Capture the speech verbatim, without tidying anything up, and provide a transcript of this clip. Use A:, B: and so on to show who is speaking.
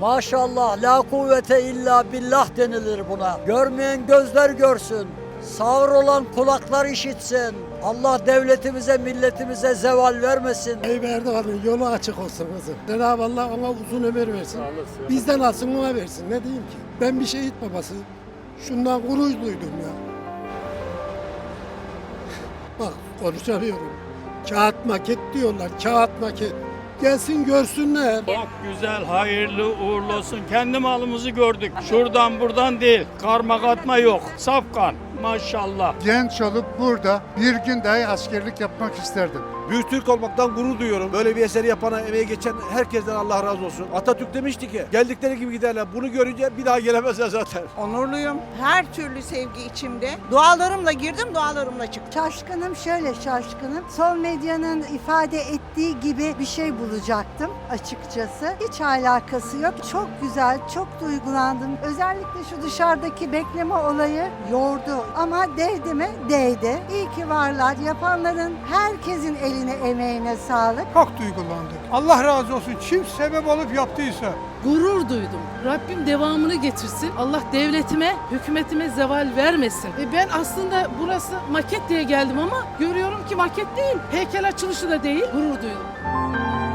A: Maşallah, la kuvvete illa billah denilir buna. Görmeyen gözler görsün. Sağır olan kulaklar işitsin. Allah devletimize, milletimize zeval vermesin.
B: Tayyip Erdoğan'ın yolu açık olsun kızım. Cenab-ı Allah ona uzun ömür versin. Bizden alsın ona versin. Ne diyeyim ki? Ben bir şehit babası. Şundan gurur duydum ya. Bak konuşamıyorum. Kağıt maket diyorlar. Kağıt maket. Gelsin görsünler.
C: Çok güzel, hayırlı uğurlu olsun. Kendi malımızı gördük. Şuradan buradan değil. Karma katma yok. Safkan. Maşallah.
D: Genç olup burada bir gün dahi askerlik yapmak isterdim.
E: Büyük Türk olmaktan gurur duyuyorum. Böyle bir eseri yapana, emeği geçen herkesten Allah razı olsun. Atatürk demişti ki, geldikleri gibi giderler. Bunu görünce bir daha gelemezler zaten.
F: Onurluyum. Her türlü sevgi içimde. Dualarımla girdim, dualarımla çıktım.
G: Şaşkınım, şöyle şaşkınım. Sol medyanın ifade ettiği gibi bir şey bulacaktım açıkçası. Hiç alakası yok. Çok güzel, çok duygulandım. Özellikle şu dışarıdaki bekleme olayı yordu. Ama değdi mi? Değdi. İyi ki varlar. Yapanların herkesin eline, emeğine sağlık.
H: Çok duygulandık. Allah razı olsun. Kim sebep olup yaptıysa.
I: Gurur duydum. Rabbim devamını getirsin. Allah devletime, hükümetime zeval vermesin. E ben aslında burası maket diye geldim ama görüyorum ki maket değil. Heykel açılışı da değil. Gurur duydum.